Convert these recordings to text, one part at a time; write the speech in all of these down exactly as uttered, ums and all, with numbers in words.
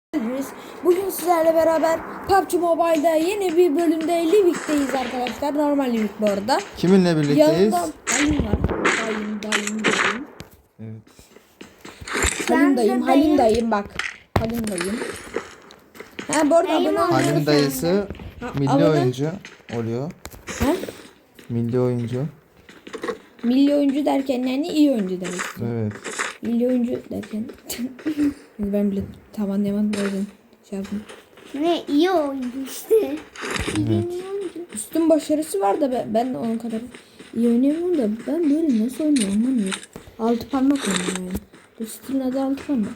Geldiniz. Bugün sizlerle beraber P U B G Mobile'da yeni bir bölümde Livik'teyiz arkadaşlar. Normal Livik bu arada. Kiminle birlikteyiz? Yanımda dayım var. Dayım, dayım, dayım. Evet. Halim dayım, Halim dayım bak. Halim dayım. Ha bu arada abone olmayı Halim dayısı Ha, milli abone- oyuncu oluyor. Ha? Milli oyuncu. Milli oyuncu derken yani iyi oyuncu demek. Evet. Milli oyuncu derken ben bile tam anlayamadım o yüzden şey yaptım. Ne iyi oyuncu işte. Evet. Üstün başarısı var da ben, ben de onun kadar iyi oynayamıyorum da ben böyle nasıl oynuyorum anlamıyorum. Altı parmak oynuyorum yani. Bu stilin adı altı parmak.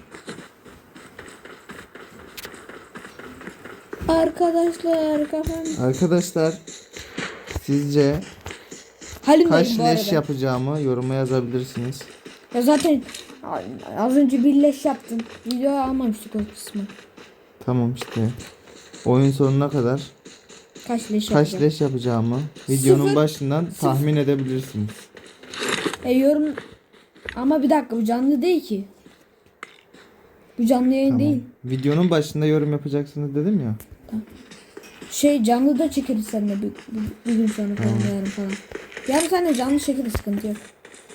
Arkadaşlar kafam. Arkadaşlar sizce Halim kaç dayım bu leş arada. yapacağımı yoruma yazabilirsiniz. Ya zaten az önce bir leş yaptım. Video almamıştık o kısmı. Tamam işte. Oyun sonuna kadar Kaç leş kaç yapacağım. leş yapacağımı videonun Sıfır. başından tahmin edebilirsiniz. E yorum ama bir dakika bu canlı değil ki. Bu canlı yayın Tamam. değil. Videonun başında yorum yapacaksınız dedim ya. Şey canlı da çekeriz seninle bir, bir, bir gün sonra falan yarın falan. Yarın seninle canlı çekeriz sıkıntı yok.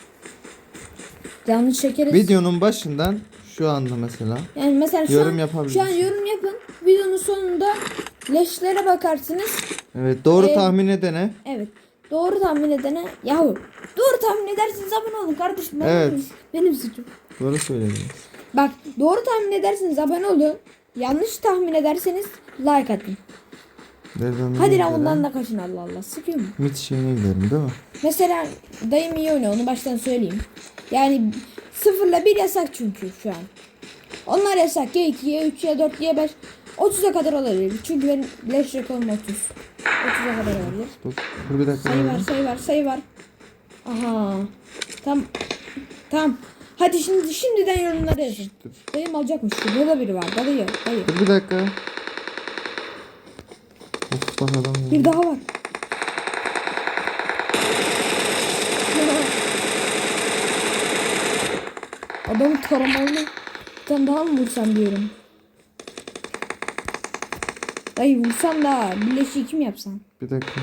Canlı çekeriz. Videonun başından şu anda mesela Yani mesela şu yorum an, yapabilirsin. şu an yorum yapın. Videonun sonunda leşlere bakarsınız. Evet, doğru Ee, tahmin edene. Evet. Doğru tahmin edene yahu. Doğru tahmin edersiniz abone olun kardeşim. Benim, Evet. benim suçum. Doğru söylediniz. Bak doğru tahmin ederseniz abone olun. Yanlış tahmin ederseniz like atın. Nereden Hadi nereye lan bundan gidelim? da kaçın Allah Allah. Sıkıyor mu? Mit şeyine gidelim değil mi? Mesela dayım iyi oynuyor onu baştan söyleyeyim. Yani sıfırla bir yasak çünkü şu an. Onlar yasak ya iki ya üç ya dört ya beş. otuza kadar olabilir. Çünkü benim leş rekorum otuz. otuza kadar olabilir. Dur, dur bir dakika. Sayı var verelim. sayı var sayı var. Aha. Tam. Tam. Hadi şimdi şimdiden yorumlara yazın. Dur. Dayım alacakmış. Burada biri var. Dayı. Dayı. Dur bir dakika. Of bak adam ya. Bir daha var. Adamı taramalı. Bir tane daha mı vursam diyorum. Dayı vursam da birleşi kim yapsam? Bir dakika.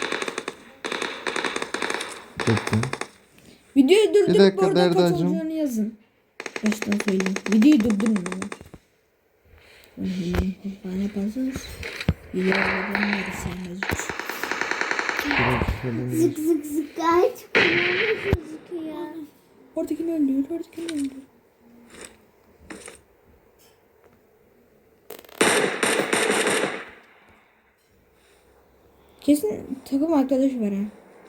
Bekle. Videoyu durdurup Bir dakika, bu arada kaç Derdacığım. olacağını yazın. Baştan söyleyeyim. Videoyu durdurun ama. Bana yaparsanız videoları ben sevmez. Bir dakika. dur. Zık zık zık gayet kullanıyor gözüküyor. Oradakini öldürüyor. Oradakini öldürüyor. Kesin takım arkadaşı var ha.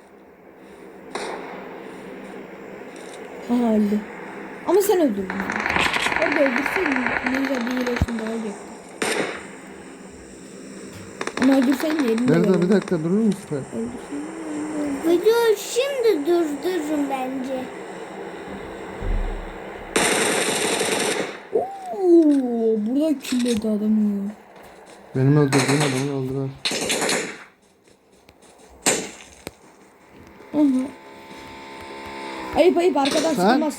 Aha öldü. Ama sen öldürdün. Yani. Orada öldürseydin ne güzel bir iyileşim daha olacaktı. Ama öldürseydin yerinde Nerede böyle. bir dakika durur musun? Video şimdi durdurun bence. Oo, burada killedi adamı. Benim öldürdüğüm adamı öldürer. Aha. Ayıp ayıp arkadan Sen- sıkılmaz.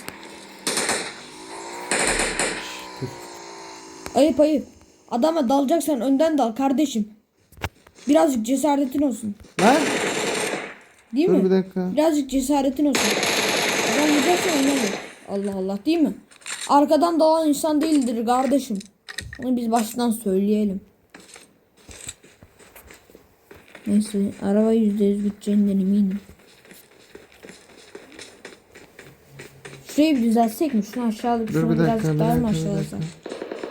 Dur. Ayıp ayıp. Adama dalacaksan önden dal kardeşim. Birazcık cesaretin olsun. Lan! Değil Dur mi? bir dakika. Birazcık cesaretin olsun. Adam vuracaksan önden dal. Allah Allah değil mi? Arkadan dalan insan değildir kardeşim. Onu biz baştan söyleyelim. Neyse araba yüzde yüz gideceğinden eminim. Şurayı bir düzeltsek mi? Şunu aşağılık Dur şunu bir dakika, birazcık bir daha mı dakika, bir aşağılasak? dakika.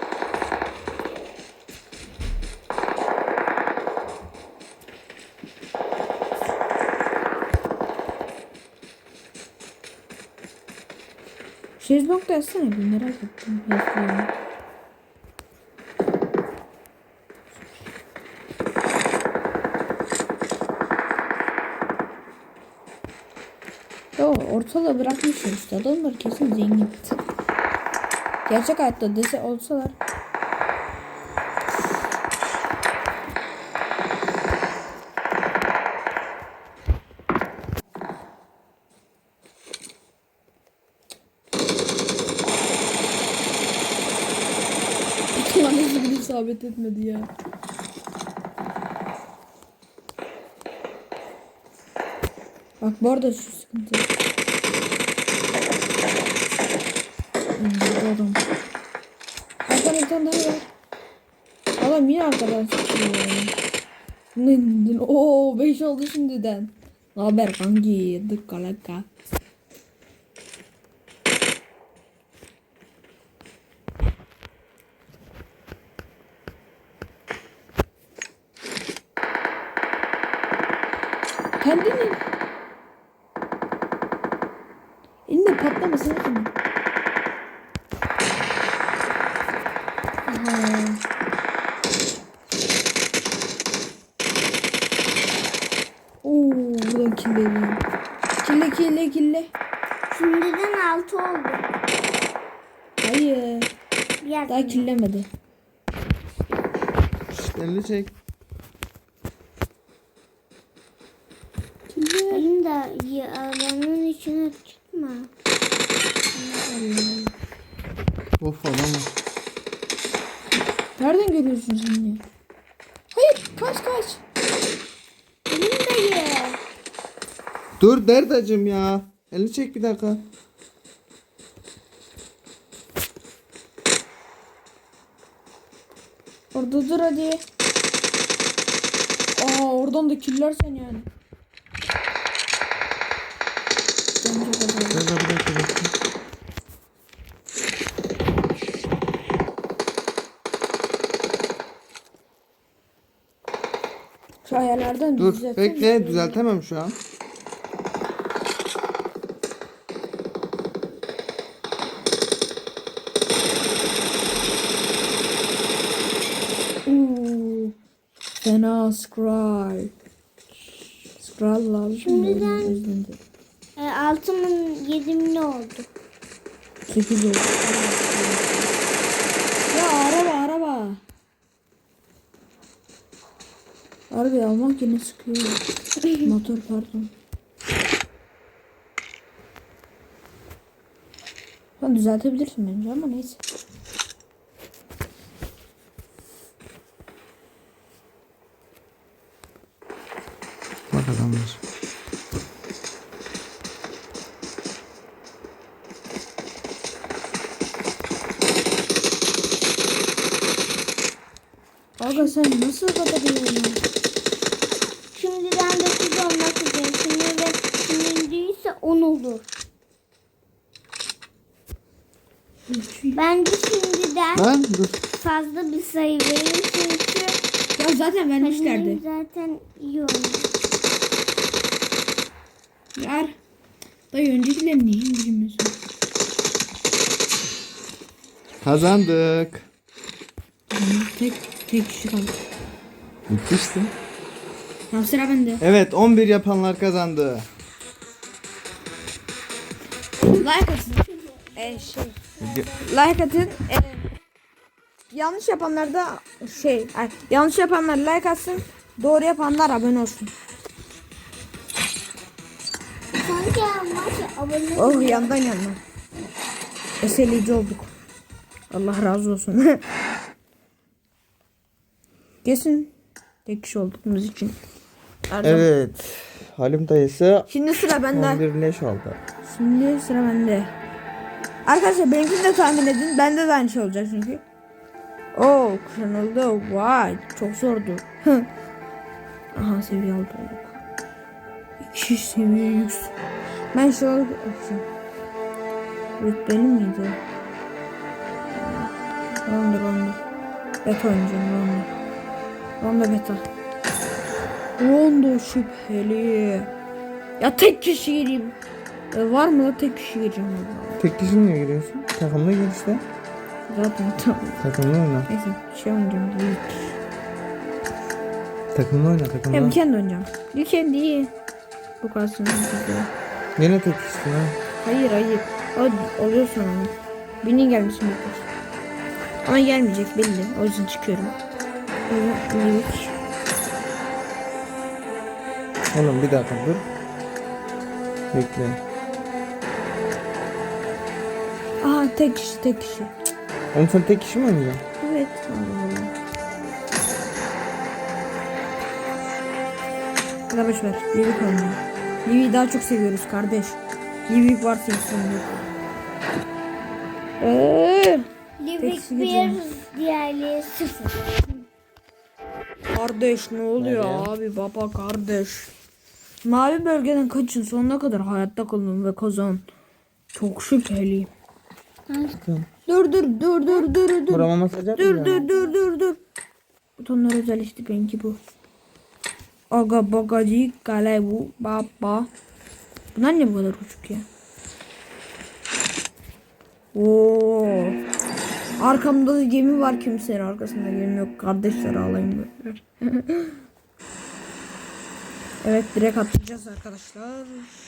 Şezlong da yazsana bir merak ettim. Yazıyorum. Yo ortalığı bırakmışlar işte adamlar kesin zengin. Gerçek hayatta dese olsalar. Nasıl bir isabet etmedi ya. Bak bu arada şu sıkıntı. Hmm, bu adam. Arkadan bir tane daha var. Adam yine arkadan sıkıyor. Ne? Ooo beş oldu şimdiden. Ne haber kanki? Dıkkalaka. Kendini elinde patlamasın mı? Aha. Oo, buradan kille. Kille kille kille. Şimdiden altı oldu. Hayır. Biraz Daha killemedi. Elini çek. Kille. Benim de alanın içine çıkma. Of adam var. Nereden görüyorsun sen ya? Hayır kaç kaç. Benim dayı. Dur Derdacım ya. Elini çek bir dakika. Orada dur hadi. Aa oradan da killersen yani. Bence kadar. Derda bir dakika bekle. Şu ayarlardan Dur düzeltsene. bekle, düzeltemem şu an. Uuu. Fena scroll. Scroll lazım. Şimdiden- O yüzden de. E, altımın yedimin ne oldu? sekiz oldu. Ya araba araba. Arabayı almak yine sıkıyor. Motor pardon. Sen düzeltebilirsin bence ama neyse. Bak adam var. Aga sen nasıl kapatıyorsun? Şimdiden dokuz olmak üzere. Şimdi ve şimdi ise on olur. Bence şimdiden Lan dur. fazla bir sayı vereyim çünkü Ya zaten vermişlerdi. benim zaten iyi oldu. Yar. Dayı öncekileri niye indirmiyorsun? Kazandık. Tek tek kişi kaldı. Bitti işte. Tamam sıra bende. Evet, on bir yapanlar kazandı. Like atın. Ee, şey. Like atın. Ee, yanlış yapanlar da şey. Ay, yanlış yapanlar like atsın. Doğru yapanlar abone olsun. Sanki maç abone Oh yandan yandan. Eseleyici olduk. Allah razı olsun. Kesin tek kişi olduklarımız için. Erdem. Evet. Halim dayısı Şimdi sıra bende. on bir leş aldı. Şimdi sıra bende. Arkadaşlar benimkini de tahmin edin. Bende de aynı şey olacak çünkü. Oo kırıldı. Vay çok zordu. Aha seviye aldı. İki seviye yüksek. Ben şu an rütbeli miydi? Ronda ronda. Beta oynayacağım ronda. Ronda beta. Ronda şüpheli. Ya tek kişi gireyim. E, var mı da tek kişi gireceğim. Vallahi. Tek kişi niye giriyorsun? Takımda gir işte. Zaten tamam. Takımda oyna. Neyse şey oynayacağım. Büyük. Takımda oyna, Ya takımda. bir kendi oynayacağım. Bir kendi iyi. Bu kalsın. Yine tek kişisin ha. Hayır hayır. O, oluyor sonra. Birinin gelmesini bekliyoruz. Ama gelmeyecek belli. O yüzden çıkıyorum. Böyle büyük. Oğlum bir dakika dur. Bekle. Aha tek kişi tek kişi. Oğlum sen tek kişi mi oynayacaksın? Evet. Allah da boş ver. Livik oynuyor. Livik'i daha çok seviyoruz kardeş. Livik varsa insan yok. Eee. Livik Teksi bir, gideceğim. diğerleri sıfır. Kardeş ne oluyor Nereye? abi baba kardeş. Mavi bölgeden kaçın sonuna kadar hayatta kalın ve kazan. Çok şüpheliyim. Bakın. Dur dur dur dur dur dur. Burama masaj Dur yapmayacağım. dur dur dur dur. Butonlar özel işte benimki bu. Aga bagacı kale bu baba. Bunlar ne bu kadar uçuk ya? Oo. Arkamda da gemi var, kimsenin arkasında gemi yok. Kardeşler ağlayın böyle. Evet, direkt atlayacağız arkadaşlar.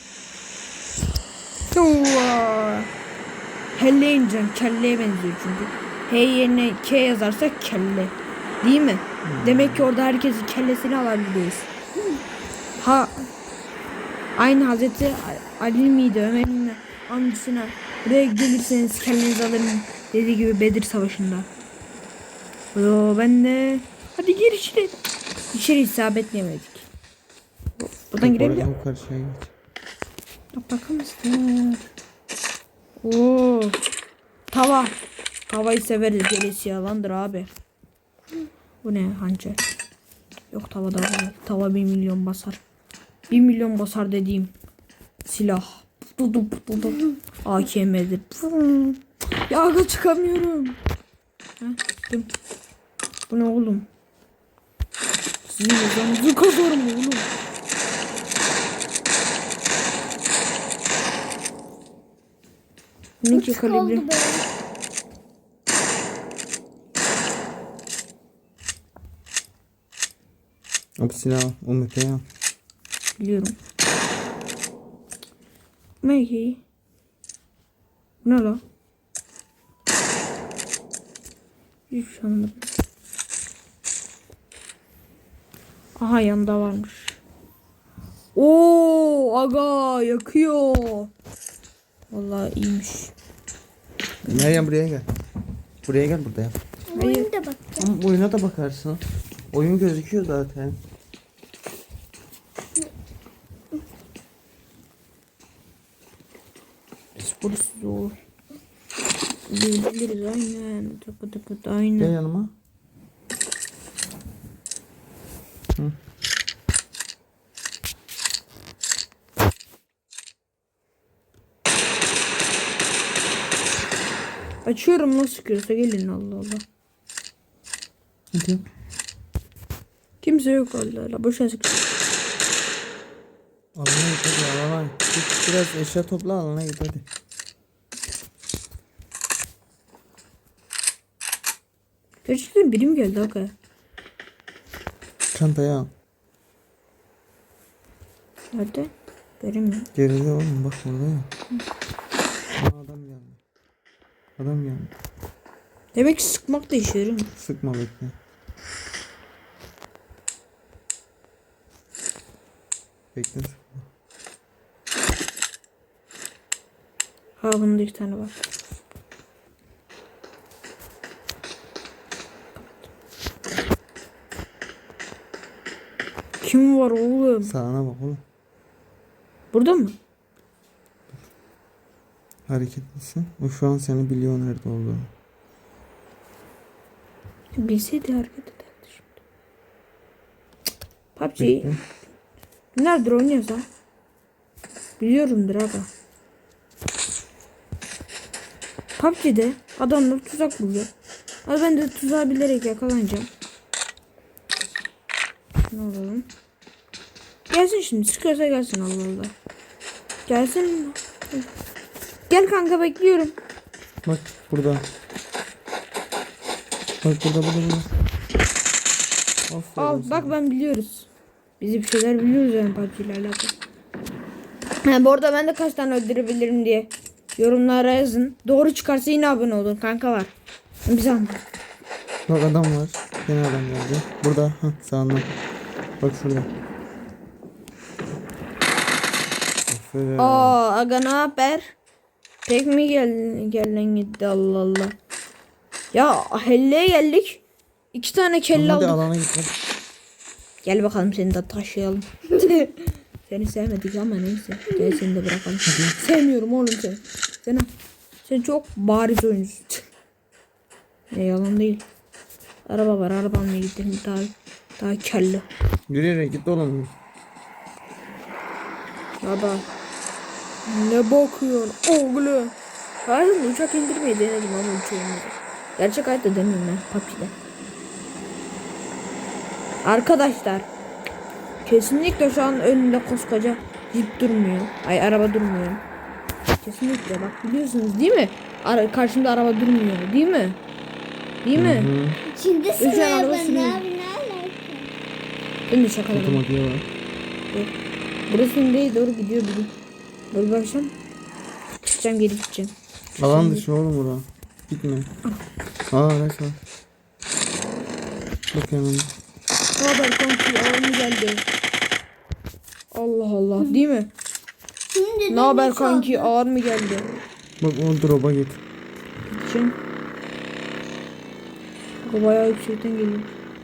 Yuva. Helle ineceğim. Kelleye benziyor çünkü. H yerine K yazarsak kelle. Değil mi? Demek ki orada herkesin kellesini alabiliriz. Ha. Aynı Hazreti Ali miydi? Ömer'in amcasına buraya gelirseniz kellenizi alırım dediği gibi Bedir Savaşı'nda. Oo, ben de hadi gir içeri. İçeri isabetleyemedik. Buradan girebiliyor muyum? Yukarı şey geç. Bak bakar mısın? Oo. Tava. Tavayı severiz. Gerisi yalandır abi. Bu ne hançer? Yok tava da var. Tava bir milyon basar. Bir milyon basar dediğim silah. Dudu dudu. A K M'dir. Ya aga çıkamıyorum. Heh, çıktım. Bu ne oğlum? Sizin yazanızı kazarım oğlum. Ne ki Uçuk oldu kalibri? böyle. O silah o meteği al. Biliyorum. Maggie. Bu ne la? Hiç şey anlamadım. Aha yanında varmış. Oo aga yakıyor. Vallahi iyiymiş. Meryem buraya gel. Buraya gel burada yap. Oyuna da bakacağım. Ama oyuna da bakarsın. Oyun gözüküyor zaten. Burası zor. Biliriz aynen. Tıpı tıpı da aynen. Gel yanıma. Hı. Açıyorum nasıl sıkıyorsa gelin Allah Allah. Hadi. Kimse yok Allah Allah. Boşuna sıkıyor. Alana git hadi alana. Git biraz eşya topla alana git hadi. Gerçekten birim geldi aga. Çantayı al. Nerede? Göremiyorum. Geride oğlum bak burada ya. Aa, adam geldi. Adam geldi. Demek ki sıkmak da işe yarıyor. Sıkma bekle. Bekle sıkma. Ha bunda iki tane var. Kim var oğlum? Sağına bak oğlum. Burada mı? Hareketlisin. O şu an seni biliyor nerede olduğunu. Bilseydi hareket ederdi şimdi. P U B G. Bekle. Nerede oynuyoruz ha? Biliyorumdur aga. P U B G'de adamlar tuzak buluyor. Ama ben de tuzağı bilerek yakalanacağım. Ne olalım? Gelsin şimdi. Sıkıyorsa gelsin Allah Allah. Gelsin. Gel kanka bekliyorum. Bak burada. Bak burada burada burada. Aferin Al sana. bak ben biliyoruz. Biz bir şeyler biliyoruz yani P U B G ile alakalı. Ha, bu arada ben de kaç tane öldürebilirim diye yorumlara yazın. Doğru çıkarsa yine abone olun kanka var. Biz anladık. Bak adam var. Yine adam geldi. Burada. Hah sağında. Bak şurada. Aferin. Aa aga ne haber? Tek mi gel gelen gitti Allah Allah. Ya helleye geldik. İki tane kelle Hadi aldık. alana git hadi. Gel bakalım seni de taşıyalım. Seni sevmedik ama neyse. Gel seni de bırakalım. Sevmiyorum oğlum seni. Sen, sen çok bariz oyuncusun. Ne yalan değil. Araba var, arabamla gidelim daha daha kelli. Yürüyerek git oğlum. Baba. Ne bakıyorsun oğlum? Hayır, uçak indirmeyi denedim ama uçağımı. Gerçek hayatta demiyorum ben P U B G'de. Arkadaşlar, kesinlikle şu an önünde koskoca jip durmuyor. Ay, araba durmuyor. Kesinlikle bak, biliyorsunuz değil mi? Ara, karşımda araba durmuyor değil mi? Değil mi? Hı. İçinde Üç tane sıraya araba bana sürüyor. abi ne alaka? Ben de şakaladım. Otomatiğe var. Yok. Burası nereye doğru gidiyor bugün? Dur bakacağım. Çıkacağım, geri gideceğim. Alan dışı oğlum bura. Gitme. Aa araç var. Bak hemen. Ne haber kanki? Ağır geldi? Allah Allah, değil mi? Şimdi Ne haber dönüş kanki? oldu. Ağır mı geldi? Bak o drop'a git. Gideceğim. Bu bayağı yüksekten geliyor.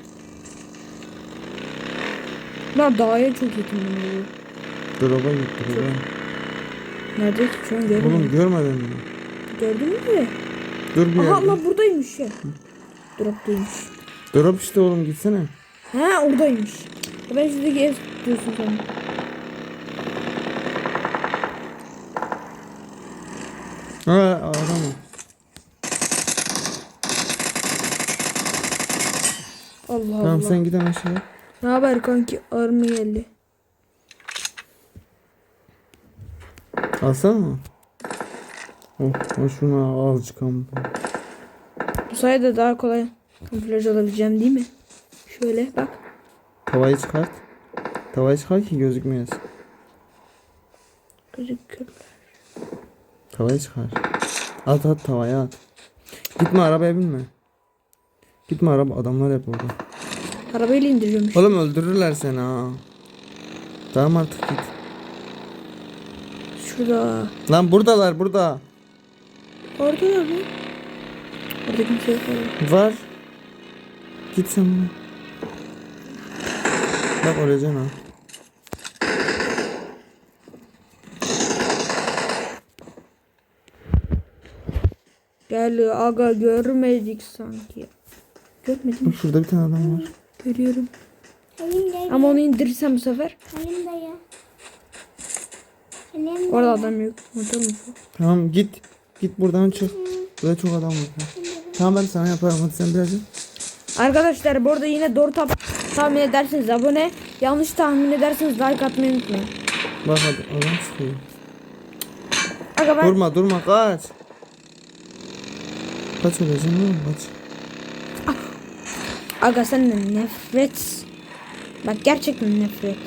Ben dağa çok yakınım oluyor. Drop'a git drop'a. Nerede ki şu an görmüyorum. Oğlum görmedin mi? Gördün mü? Dur bir Aha yerde. Allah, buradaymış ya. Drop'taymış. Drop işte oğlum gitsene. Ha, oradaymış. Ben şuradaki ev diyorsun sen. Ha adam. Allah Tamam Allah. sen giden aşağıya. Ne haber kanki? Ağır mı geldi? Alsana mı? Oh, oh şunu al çıkalım. Bu sayede daha kolay kamuflaj alabileceğim değil mi? Şöyle bak. Tavayı çıkart. Tavayı çıkart ki gözükmeyesin. Gözüküyor. Tavayı çıkar. At at tavaya at. Gitme arabaya binme. Gitme araba, adamlar hep orada. Arabayla indiriyormuş. Oğlum öldürürler seni ha. Tamam artık git. Şurada. Lan buradalar burada. Orada da mı? Orada kimse yok. orada. Var. Git sen buna. Bak öleceksin ha. Gel aga, görmedik sanki. Görmedim. Bak şurada bir tane adam var. Görüyorum. Halim dayı. Ama onu indirirsem bu sefer. Halim dayı. Halim dayı. Orada adam yok. Unutalım şu. Tamam git. Git buradan çık. Burada çok adam var. Tamam ben sana yaparım, hadi sen biraz yap. Arkadaşlar, bu arada yine doğru tap tahmin ederseniz abone. Yanlış tahmin ederseniz like atmayı unutmayın. Bak hadi adam çıkıyor. Aga ben Durma durma kaç. Kaç öleceksin oğlum kaç. Aga senden nefret. Bak gerçekten nefret.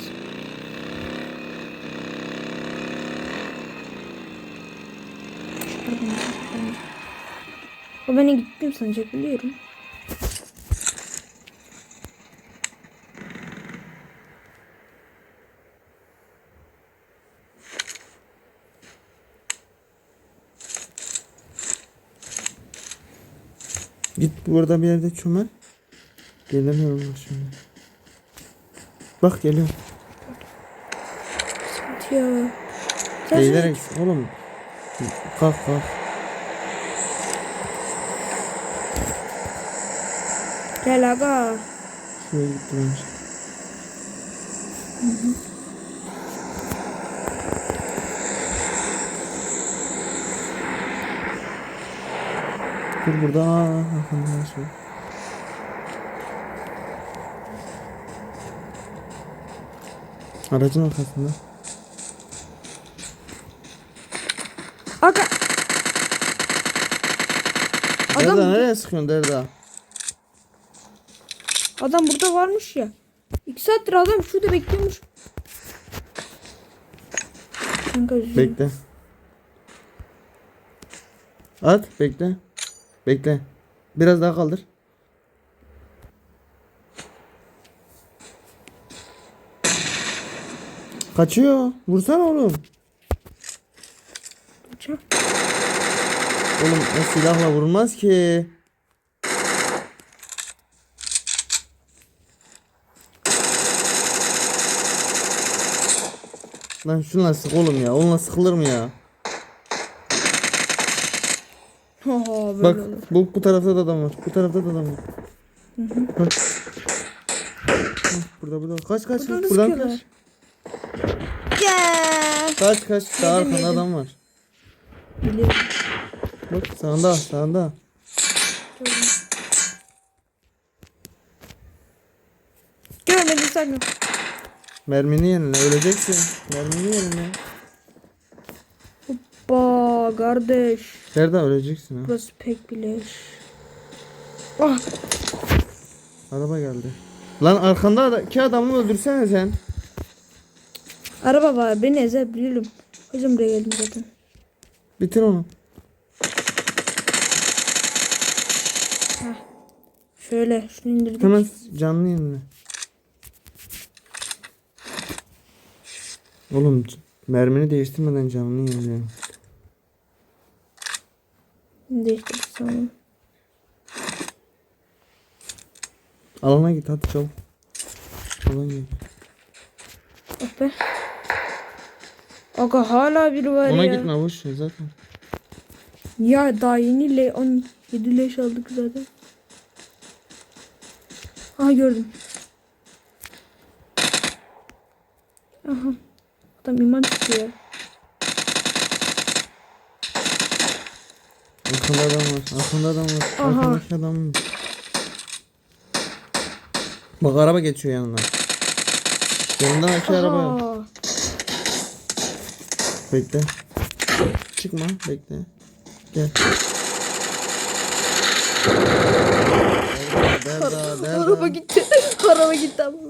O beni gittim sanacak, biliyorum. Git burada bir yerde çömel. Gelemiyorum bak şimdi. Bak geliyor. Ya. Sen Eğilerek oğlum. Kalk kalk. gel aga. Şuraya gitti bence. Dur burada. Aa, arkanda şey. Aracın arkasında. Aga. Adam, Derda nereye sıkıyorsun Derda? adam burada varmış ya. İki saattir adam şurada bekliyormuş. Kanka üzülüyorum. Bekle. At bekle. Bekle. Biraz daha kaldır. Kaçıyor. Vursana oğlum. Kaçar. Oğlum o silahla vurulmaz ki. Lan şunla sık oğlum ya. Onunla sıkılır mı ya? Oho böyle Bak olur. bu bu tarafta da adam var. Bu tarafta da adam var. Bak. Hah, burada burada. Kaç kaç. Buradan da Buradan sıkıyorlar. kaç. Yeah. Kaç kaç. Daha Yedim, arkanda yedim. adam var. Biliyorum. Bak sağında sağında. Görmedim sakın. Mermini yenile. Öleceksin. Mermini yenile. Ba kardeş. Nerede öleceksin ha? Burası pek bileş. Ah. Araba geldi. Lan arkanda da iki adamı öldürsene sen. Araba var. Beni ezebilirim. Hocam buraya geldim zaten. Bitir onu. Şöyle şunu indirdik. Hemen canlı yenile. Oğlum c- mermini değiştirmeden canlı yenile. Değiştirdik sanırım. Alana git hadi çabuk. Alana git. Oh be. Aga hala biri var Ona ya. gitme boş ver zaten. Ya daha yeni le on yedi leş aldık zaten. Aha gördüm. Aha. Adam iman çıkıyor. Arkanda adam var. Arkanda adam var. Aha. Arkandaki adam var. Bak araba geçiyor yanından. Yanından iki araba. Aha. Bekle. Çıkma bekle. Gel. Derda, derda, Araba derda. gitti. Araba gitti ama.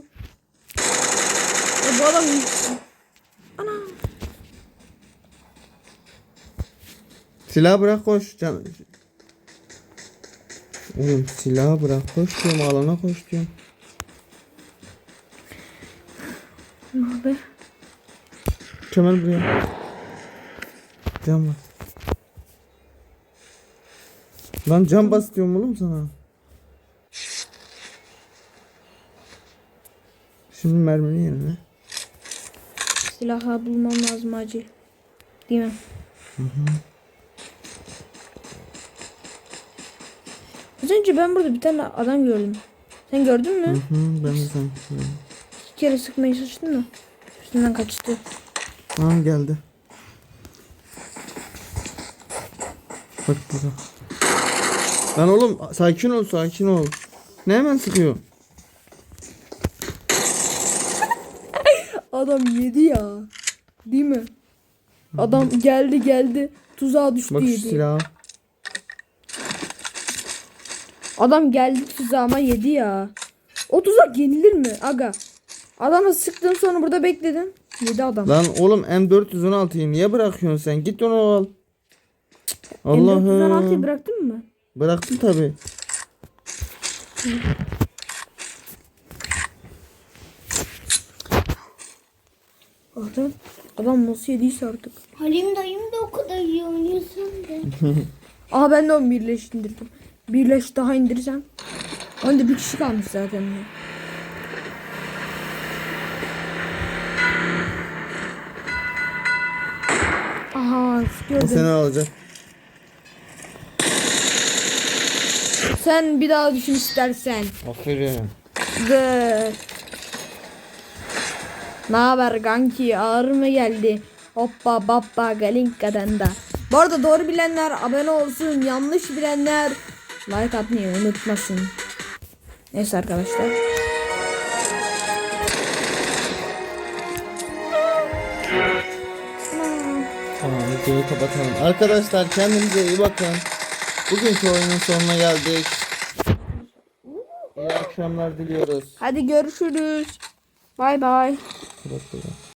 Ya bu adam ana. Silah bırak koş. Can... Oğlum silahı bırak koş diyorum, alana koş diyorum. Ne haber? Kemal buraya. Cam bas. Lan cam bas diyorum oğlum sana. Şimdi mermini yerine. Silahı bulmam lazım acil. Değil mi? Hı hı. Az önce ben burada bir tane adam gördüm. Sen gördün mü? Hı hı, ben de sen. İki kere sıkmaya çalıştın mı? Üstünden kaçtı. Aa geldi. Bak burada. Lan oğlum sakin ol sakin ol. Ne hemen sıkıyor? Adam yedi ya. Değil mi? Adam geldi geldi. Tuzağa düştü Bak şu yedi. silahı. Adam geldi tuzağıma yedi ya. O tuzak yenilir mi aga? Adama sıktın sonra burada bekledin. Yedi adam. Lan oğlum M dört yüz on altıyı niye bırakıyorsun sen? Git onu al. M dört yüz on altıyı Allah'ım. bıraktın mı? Bıraktım tabi. Adam, adam nasıl yediyse artık. Halim dayım da o kadar iyi oynuyorsun da. Aha ben de on bir leş indirdim. Bir leş daha indirsem. Onda bir kişi kalmış zaten. Ya. Aha O gördüm. seni alacak. Sen bir daha düşün istersen. Aferin. Dı. Ne haber kanki, ağır mı geldi? Hoppa bappa galinka'dan da. Bu arada doğru bilenler abone olsun, yanlış bilenler like atmayı unutmasın. Neyse arkadaşlar. Tamam videoyu kapatalım. Arkadaşlar kendinize iyi bakın. Bugünkü oyunun sonuna geldik. İyi akşamlar diliyoruz. Hadi görüşürüz. Bay bay. Kapat, kapat.